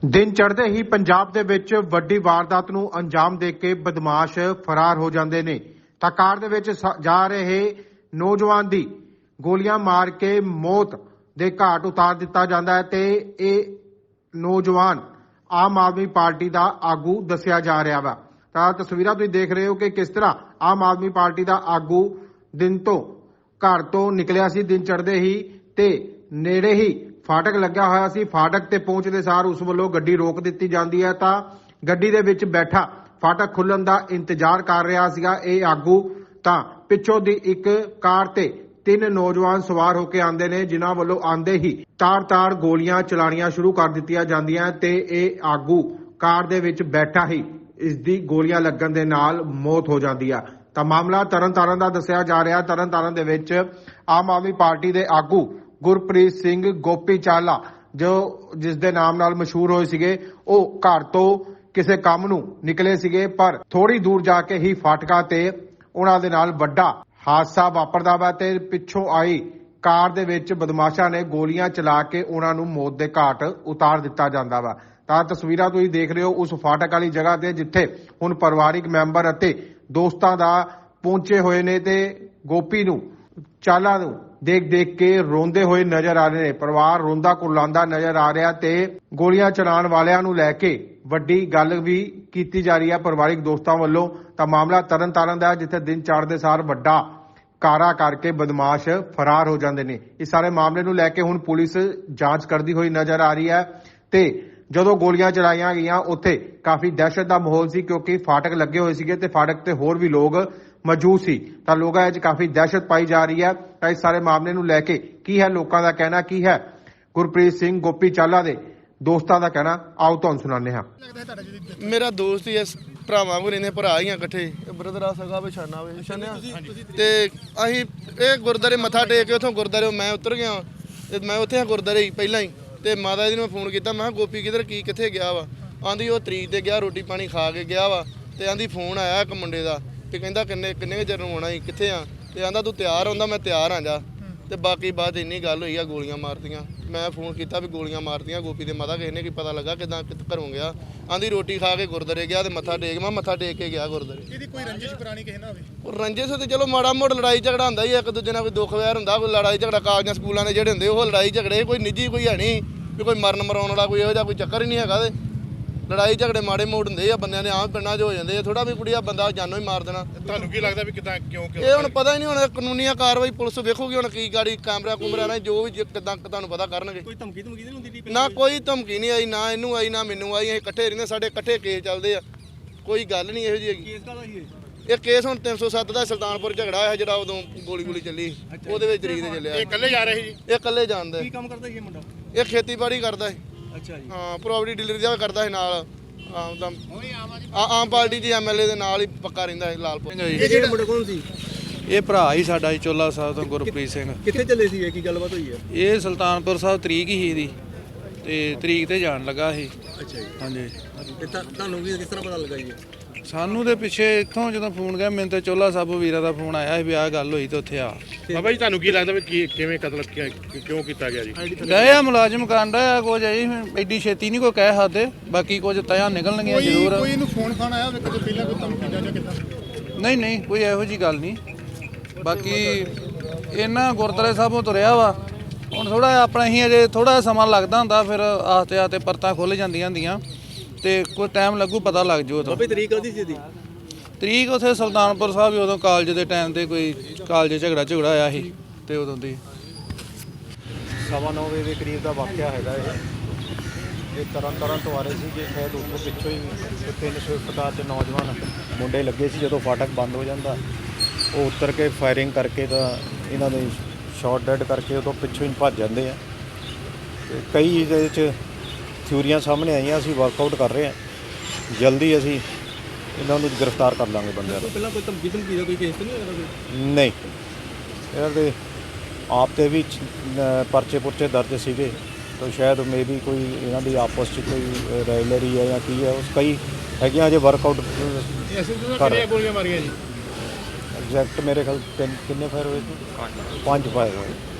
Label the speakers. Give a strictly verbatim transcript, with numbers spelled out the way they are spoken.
Speaker 1: दिन चढ़ते ही पंजाब दे विच वड्डी वारदात नूं अंजाम दे के बदमाश फरार हो जांदे ने तां कार दे विच जा रहे नौजवान दी गोलियां मार के मौत दे घाट उतार दिता जांदा है ते इह नौजवान आम आदमी पार्टी दा आगू दस्सिया जा रहा वा। तां तस्वीरां तुसीं देख रहे हो कि किस तरह आम आदमी पार्टी दा आगू दिन तो घर तो निकलिया सी। दिन चढ़दे ही ते नेड़े ही फाटक लग्या होया सी। फाटक ते पहुंचदे सार उस वल्लों गड्डी रोक दित्ती जांदी है तां गड्डी दे विच बैठा फाटक खुल्लण दा इंतजार कर रहा सीगा इह आगू तां पिछों दी एक कार ते तीन नौजवान सवार होके आंदे ने जिन्हां वल्लों आंदे ही तार तार गोलियां चलाणियां शुरू कर दित्तियां जांदियां ते इह आगू कार दे विच बैठा ही इस दी गोलियां लगण दे नाल मौत हो जांदी आ। तां मामला तरनताਰਨ ਦਾ ਦੱਸਿਆ ਜਾ ਰਿਹਾ। ਤਰਨਤਾਰਨ ਦੇ ਵਿੱਚ ਆਮ ਆਦਮੀ ਪਾਰਟੀ ਦੇ ਆਗੂ ਗੁਰਪ੍ਰੀਤ ਸਿੰਘ ਗੋਪੀ ਚਾਲਾ ਜੋ ਜਿਸ ਦੇ ਨਾਮ ਨਾਲ ਮਸ਼ਹੂਰ ਹੋਏ ਸੀਗੇ ਉਹ ਘਰ ਤੋਂ ਕਿਸੇ ਕੰਮ ਨੂੰ ਨਿਕਲੇ ਸੀਗੇ ਪਰ ਥੋੜੀ ਦੂਰ ਜਾ ਕੇ ਹੀ ਫਾਟਕਾ ਤੇ ਉਹਨਾਂ ਦੇ ਨਾਲ ਵੱਡਾ ਹਾਦਸਾ ਵਾਪਰਦਾ ਵਾ ਤੇ ਪਿੱਛੋਂ ਆਈ ਕਾਰ ਦੇ ਵਿੱਚ ਬਦਮਾਸ਼ਾਂ ਨੇ ਗੋਲੀਆਂ ਚਲਾ ਕੇ ਉਹਨਾਂ ਨੂੰ ਮੌਤ ਦੇ ਘਾਟ ਉਤਾਰ ਦਿੱਤਾ ਜਾਂਦਾ ਵਾ। ਤਾਂ ਤਸਵੀਰਾਂ ਤੁਸੀਂ ਦੇਖ ਰਹੇ ਹੋ ਉਸ ਫਾਟਕ ਵਾਲੀ ਜਗ੍ਹਾ ਤੇ ਜਿੱਥੇ ਹੁਣ ਪਰਿਵਾਰਿਕ ਮੈਂਬਰ ਅਤੇ ਦੋਸਤਾਂ ਦਾ ਪਹੁੰਚੇ ਹੋਏ ਨੇ ਤੇ ਗੋਪੀ ਨੂੰ ਚਾਲਾ ਨੂੰ ਦੇਖ ਦੇਖ ਕੇ ਰੋਂਦੇ ਹੋਏ ਨਜ਼ਰ ਆ ਰਹੇ ਨੇ। ਪਰਿਵਾਰ ਰੋਂਦਾ ਕੁਰਲਾਉਂਦਾ ਨਜ਼ਰ ਆ ਰਿਹਾ ਤੇ ਗੋਲੀਆਂ ਚਲਾਉਣ ਵਾਲਿਆਂ ਨੂੰ ਲੈ ਕੇ ਵੱਡੀ ਗੱਲ ਵੀ ਕੀਤੀ ਜਾ ਰਹੀ ਹੈ ਪਰਿਵਾਰਿਕ ਦੋਸਤਾਂ ਵੱਲੋਂ। ਤਾਂ ਮਾਮਲਾ ਤਰਨਤਾਰਨ ਦਾ ਜਿੱਥੇ ਦਿਨ ਚੜ੍ਹਦੇ ਸਾਰ ਵੱਡਾ ਕਾਰਾ ਕਰਕੇ ਬਦਮਾਸ਼ ਫਰਾਰ ਹੋ ਜਾਂਦੇ ਨੇ। ਇਸ ਸਾਰੇ ਮਾਮਲੇ ਨੂੰ ਲੈ ਕੇ ਹੁਣ ਪੁਲਿਸ ਜਾਂਚ ਕਰਦੀ ਹੋਈ ਨਜ਼ਰ ਆ ਰਹੀ ਹੈ ਤੇ ਜਦੋਂ ਗੋਲੀਆਂ ਚਲਾਈਆਂ ਗਈਆਂ ਉੱਥੇ ਕਾਫੀ ਦਹਿਸ਼ਤ ਦਾ ਮਾਹੌਲ ਸੀ ਕਿਉਂਕਿ ਫਾਟਕ ਲੱਗੇ ਹੋਏ ਸੀਗੇ ਤੇ ਫਾਟਕ ਤੇ ਹੋਰ ਵੀ ਲੋਕ ਮੌਜੂਦ ਸੀ। ਤਾਂ ਲੋਕਾਂ ਵਿੱਚ ਕਾਫੀ ਦਹਿਸ਼ਤ ਪਾਈ ਜਾ ਰਹੀ ਹੈ। ਤਾਂ ਇਸ ਸਾਰੇ ਮਾਮਲੇ ਨੂੰ ਲੈ ਕੇ ਕੀ ਹੈ ਲੋਕਾਂ ਦਾ ਕਹਿਣਾ, ਕੀ ਹੈ ਗੁਰਪ੍ਰੀਤ ਸਿੰਘ ਗੋਪੀ ਚਾਲਾ ਦੇ ਦੋਸਤਾਂ ਦਾ ਕਹਿਣਾ, ਆਓ ਤੁਹਾਨੂੰ ਸੁਣਾਉਂਦੇ ਹਾਂ।
Speaker 2: ਮੇਰਾ ਦੋਸਤ ਹੀ ਇਸ ਭਰਾਵਾਂ ਕੋਲ ਰਹਿੰਦੇ, ਭਰਾ ਹੀ ਆ ਇਕੱਠੇ, ਬ੍ਰਦਰ ਆ ਸਗਾ ਵਿਛਾਨਾ ਵੇ ਛਾਨਿਆ ਤੇ ਅਸੀਂ ਇਹ ਗੁਰਦਾਰੇ ਮੱਥਾ ਟੇਕ ਕੇ ਉੱਥੋਂ ਗੁਰਦਾਰੇ ਮੈਂ ਉਤਰ ਗਿਆ ਤੇ ਮੈਂ ਉੱਥੇ ਆ ਗੁਰਦਾਰੇ ਹੀ ਪਹਿਲਾਂ ਹੀ ਤੇ ਮਾਤਾ ਜੀ ਨੂੰ ਫੋਨ ਕੀਤਾ। ਮੈਂ ਕਿਹਾ ਗੋਪੀ ਕਿਧਰ ਕੀ ਕਿੱਥੇ ਗਿਆ ਵਾ? ਆਂਦੀ ਉਹ ਤਰੀਕ ਤੇ ਗਿਆ, ਰੋਟੀ ਪਾਣੀ ਖਾ ਕੇ ਗਿਆ ਵਾ ਤੇ ਆਂਦੀ ਫੋਨ ਆਇਆ ਇੱਕ ਮੁੰਡੇ ਦਾ ਤੇ ਕਹਿੰਦਾ ਕਿੰਨੇ ਕਿੰਨੇ ਕੁ ਚਿਰ ਨੂੰ ਆਉਣਾ ਸੀ, ਕਿੱਥੇ ਆ? ਤੇ ਆਂਦਾ ਤੂੰ ਤਿਆਰ ਹੁੰਦਾ, ਮੈਂ ਤਿਆਰ ਆ ਜਾ। ਤੇ ਬਾਕੀ ਬਾਅਦ ਇੰਨੀ ਗੱਲ ਹੋਈ ਆ ਗੋਲੀਆਂ ਮਾਰਤੀਆਂ। ਮੈਂ ਫੋਨ ਕੀਤਾ ਵੀ ਗੋਲੀਆਂ ਮਾਰਤੀਆਂ ਗੋਪੀ ਦੇ ਮਾਤਾ ਕਿਸੇ ਨੇ ਕੀ ਪਤਾ ਲੱਗਾ ਕਿਦਾਂ ਘਰੋਂ ਗਿਆ? ਆਂਦੀ ਰੋਟੀ ਖਾ ਕੇ ਗੁਰਦਾਰੇ ਗਿਆ ਤੇ ਮੱਥਾ ਟੇਕ ਮੈਂ ਮੱਥਾ ਟੇਕ ਕੇ ਗਿਆ ਗੁਰਦਾਰੇ।
Speaker 3: ਇਹਦੀ ਕੋਈ ਰੰਜਿਸ਼ ਪੁਰਾਣੀ ਕਿਸੇ ਨਾਲ ਹੋਵੇ?
Speaker 2: ਉਹ ਰੰਜਿਸ਼ ਤੇ ਚਲੋ ਮਾੜਾ ਮੋੜ ਲੜਾਈ ਝਗੜਾ ਹੁੰਦਾ ਹੀ ਇੱਕ ਦੂਜੇ ਨਾਲ, ਕੋਈ ਦੁੱਖ ਵੈਰ ਹੁੰਦਾ, ਕੋਈ ਲੜਾਈ ਝਗੜਾ ਕਾਗਜ਼ਾਂ ਸਕੂਲਾਂ ਦੇ ਜਿਹੜੇ ਹੁੰਦੇ ਉਹ ਲੜਾਈ ਝਗੜੇ, ਕੋਈ ਨਿੱਜੀ ਕੋਈ ਹੈ ਨਹੀਂ ਵੀ ਕੋਈ ਮਰਨ ਮਰਾਉਣ ਵਾਲਾ ਕੋਈ ਇਹੋ ਜਿਹਾ ਕੋਈ ਚੱਕਰ ਹੀ ਨਹੀਂ ਹੈਗਾ। ਤੇ ਲੜਾਈ ਝਗੜੇ ਮਾੜੇ ਮੋੜ ਹੁੰਦੇ ਆ ਬੰਦਿਆਂ ਦੇ ਆਮ ਪਿੰਡਾਂ 'ਚ ਹੋ ਜਾਂਦੇ ਆ, ਥੋੜਾ ਵੀ ਕੁੜੀਆ ਬੰਦਾ ਜਾਨੋਂ ਹੀ ਮਾਰ ਦੇਣਾ।
Speaker 3: ਤੁਹਾਨੂੰ ਕੀ ਲੱਗਦਾ ਵੀ ਕਿਦਾਂ ਕਿਉਂ ਕਿਉਂ
Speaker 2: ਇਹ ਹੁਣ ਪਤਾ ਹੀ ਨਹੀਂ, ਹੁਣ ਕਾਨੂੰਨੀਆ ਕਾਰਵਾਈ ਪੁਲਿਸ ਵੇਖੂਗੀ ਹੁਣ ਕੀ ਗਾੜੀ ਕੈਮਰਾ ਕੁਮਰਾ ਨਾਲ ਜੋ ਵੀ ਕਿਦਾਂ ਤੁਹਾਨੂੰ ਪਤਾ ਕਰਨਗੇ।
Speaker 3: ਕੋਈ ਧਮਕੀ ਧਮਕੀ ਨਹੀਂ ਹੁੰਦੀ?
Speaker 2: ਨਾ ਕੋਈ ਧਮਕੀ ਨਹੀਂ ਆਈ, ਨਾ ਇਹਨੂੰ ਆਈ ਨਾ ਮੈਨੂੰ ਆਈ। ਅਸੀਂ ਇਕੱਠੇ ਰਹਿੰਦੇ, ਸਾਡੇ ਇਕੱਠੇ ਕੇਸ ਚੱਲਦੇ ਆ, ਕੋਈ ਗੱਲ ਨਹੀਂ ਇਹੋ ਜਿਹੀ ਹੈਗੀ।
Speaker 3: ਕੇਸ ਕਾਹਦਾ ਸੀ
Speaker 2: ਇਹ ਕੇਸ ਹੁਣ ਤਿੰਨ ਸੌ ਸੱਤ ਦਾ ਸੁਲਤਾਨਪੁਰ ਝਗੜਾ ਹੋਇਆ ਜਿਹੜਾ ਉਦੋਂ ਗੋਲੀ ਗੋਲੀ ਚੱਲੀ ਉਹਦੇ ਵਿੱਚ ਤਰੀਕ ਤੇ ਚੱਲਿਆ।
Speaker 3: ਇਹ ਇਕੱਲੇ ਜਾ ਰਹੇ ਸੀ?
Speaker 2: ਇਹ ਇਕੱਲੇ ਜਾਣਦਾ।
Speaker 3: ਕੀ ਕੰਮ ਕਰਦਾ ਸੀ ਇਹ ਮੁੰਡਾ?
Speaker 2: ਇਹ ਖੇਤੀਬਾੜੀ ਕਰਦਾ ਸੀ।
Speaker 3: ਅੱਛਾ ਜੀ।
Speaker 2: ਹਾਂ, ਪ੍ਰੋਪਰਟੀ ਡੀਲਰ ਦਾ ਕਰਦਾ ਸੀ ਨਾਲ। ਆਮ ਤਾਂ ਆਮ ਪਾਰਟੀ ਦੇ ਐਮਐਲਏ ਦੇ ਨਾਲ ਹੀ ਪੱਕਾ ਰਹਿੰਦਾ ਹੈ ਲਾਲਪੁਰ।
Speaker 3: ਇਹ ਜਿਹੜਾ ਮੁੰਡਾ ਕੌਣ ਸੀ?
Speaker 4: ਇਹ ਭਰਾ ਹੀ ਸਾਡਾ ਜੀ ਚੋਲਾ ਸਾਹਿਬ ਤੋਂ ਗੁਰਪ੍ਰੀਤ ਸਿੰਘ।
Speaker 3: ਕਿੱਥੇ ਚੱਲੇ ਸੀ? ਕੀ ਗੱਲਬਾਤ ਹੋਈ ਹੈ?
Speaker 4: ਇਹ ਸੁਲਤਾਨਪੁਰ ਸਾਹਿਬ ਤਰੀਕ ਹੀ ਇਹਦੀ ਤੇ ਤਰੀਕ ਤੇ ਜਾਣ ਲੱਗਾ ਸੀ।
Speaker 3: ਅੱਛਾ ਜੀ।
Speaker 4: ਹਾਂਜੀ।
Speaker 3: ਤੇ ਤੁਹਾਨੂੰ ਵੀ ਕਿਸ ਤਰ੍ਹਾਂ ਪਤਾ ਲੱਗਾ ਜੀ?
Speaker 4: ਸਾਨੂੰ ਦੇ ਪਿੱਛੇ ਇੱਥੋਂ ਜਦੋਂ ਫੋਨ ਗਿਆ ਮੈਨੂੰ ਤੇ ਚੋਲਾ ਸਾਹਿਬ ਵੀਰਾ ਦਾ ਫੋਨ ਆਇਆ ਸੀ ਵੀ ਆਹ ਗੱਲ ਹੋਈ ਤੇ ਉੱਥੇ ਆ।
Speaker 3: ਬਾਬਾ ਜੀ ਤੁਹਾਨੂੰ ਕੀ ਲੱਗਦਾ ਵੀ ਕੀ ਕਿਵੇਂ ਕਤਲ ਕਿਉਂ ਕੀਤਾ ਗਿਆ ਜੀ?
Speaker 4: ਗਏ ਆ ਮੁਲਾਜ਼ਮ ਕਾਂਡਾ ਆ ਕੁਝ ਜੀ, ਐਡੀ ਛੇਤੀ ਨਹੀਂ ਕੋਈ ਕਹਿ ਸਕਦੇ, ਬਾਕੀ ਕੁਝ ਤਿਆ ਨਿਕਲਣਗੀਆਂ ਜ਼ਰੂਰ।
Speaker 3: ਕੋਈ ਇਹਨੂੰ ਫੋਨ ਖਾਣ ਆਇਆ ਕਦੇ ਪਹਿਲਾਂ ਕੋਈ ਧਮਕੀ ਜਾਂ ਕਿੱਦਾਂ?
Speaker 4: ਨਹੀਂ ਨਹੀਂ ਕੋਈ ਇਹੋ ਜੀ ਗੱਲ ਨਹੀਂ। ਬਾਕੀ ਇਹਨਾਂ ਗੁਰਦੁਆਰੇ ਸਾਹਿਬੋਂ ਤੁਰਿਆ ਵਾ ਹੁਣ ਥੋੜਾ ਆਪਣਾ ਹੀ ਅਜੇ ਥੋੜਾ ਸਮਾਂ ਲੱਗਦਾ ਹੁੰਦਾ, ਫਿਰ ਆਸਤੇ ਆਸਤੇ ਪਰਤਾਂ ਖੁੱਲ ਜਾਂਦੀਆਂ ਹੁੰਦੀਆਂ ਤੇ ਕੋਈ ਟਾਈਮ ਲੱਗੂ ਪਤਾ ਲੱਗ ਜੂ। ਉਦੋਂ
Speaker 3: ਬਾਬੇ ਤਰੀਕ ਕਦੀ ਸੀ ਇਹਦੀ?
Speaker 4: ਤਰੀਕ ਉੱਥੇ ਸੁਲਤਾਨਪੁਰ ਸਾਹਿਬ ਉਦੋਂ ਕਾਲਜ ਦੇ ਟਾਈਮ ਤੇ ਕੋਈ ਕਾਲਜ ਝਗੜਾ ਝਗੜਾ ਆਇਆ ਸੀ ਤੇ ਉਦੋਂ ਦੀ
Speaker 5: ਸਵਾ ਨੌ ਵਜੇ ਦੇ ਕਰੀਬ ਦਾ ਵਾਕਿਆ ਹੈਗਾ ਇਹ। ਇਹ ਤਰਨ ਤਾਰਨ ਤੋਂ ਆ ਰਹੇ ਸੀ ਜੇ ਸ਼ਾਇਦ ਉੱਥੋਂ ਪਿੱਛੋਂ ਹੀ ਤਿੰਨ ਸਵਿਫਟ ਕਾਰ 'ਚ ਨੌਜਵਾਨ ਮੁੰਡੇ ਲੱਗੇ ਸੀ। ਜਦੋਂ ਫਾਟਕ ਬੰਦ ਹੋ ਜਾਂਦਾ ਉਹ ਉਤਰ ਕੇ ਫਾਇਰਿੰਗ ਕਰਕੇ ਤਾਂ ਇਹਨਾਂ ਦੇ ਸ਼ਾਟ ਡੈਡ ਕਰਕੇ ਉਦੋਂ ਪਿੱਛੋਂ ਹੀ ਭੱਜ ਜਾਂਦੇ ਆ। ਤੇ ਕਈ ਇਹਦੇ 'ਚ ਥਿਊਰੀਆਂ ਸਾਹਮਣੇ ਆਈਆਂ, ਅਸੀਂ ਵਰਕਆਊਟ ਕਰ ਰਹੇ ਹਾਂ, ਜਲਦੀ ਅਸੀਂ ਇਹਨਾਂ ਨੂੰ ਗ੍ਰਿਫਤਾਰ ਕਰ ਲਾਂਗੇ ਬੰਦਿਆਂ ਨੂੰ।
Speaker 3: ਪਹਿਲਾਂ ਕੋਈ ਧਮਕੀ ਧਮਕੀ ਦਾ ਕੋਈ ਕੇਸ ਤਾਂ ਨਹੀਂ ਹੋਇਆ ਕੋਈ?
Speaker 5: ਨਹੀਂ, ਇਹਨਾਂ ਦੇ ਆਪ 'ਤੇ ਵੀ ਪਰਚੇ ਪੁਰਚੇ ਦਰਜ ਸੀਗੇ ਤਾਂ ਸ਼ਾਇਦ ਮੇ ਵੀ ਕੋਈ ਇਹਨਾਂ ਦੀ ਆਪਸ 'ਚ ਕੋਈ ਰਾਇਲਰੀ ਹੈ ਜਾਂ ਕੀ ਹੈ, ਉਸ ਕਈ ਹੈਗੀਆਂ ਅਜੇ ਵਰਕਆਊਟ ਕਰ।
Speaker 3: ਗੋਲੀਆਂ ਮਾਰੀਆਂ ਜੀ?
Speaker 5: ਐਗਜ਼ੈਕਟ ਮੇਰੇ ਖਿਆਲ ਤਿੰਨ ਕਿੰਨੇ ਫਾਇਰ ਹੋਏ ਸੀ? ਪੰਜ ਫਾਇਰ ਹੋਏ।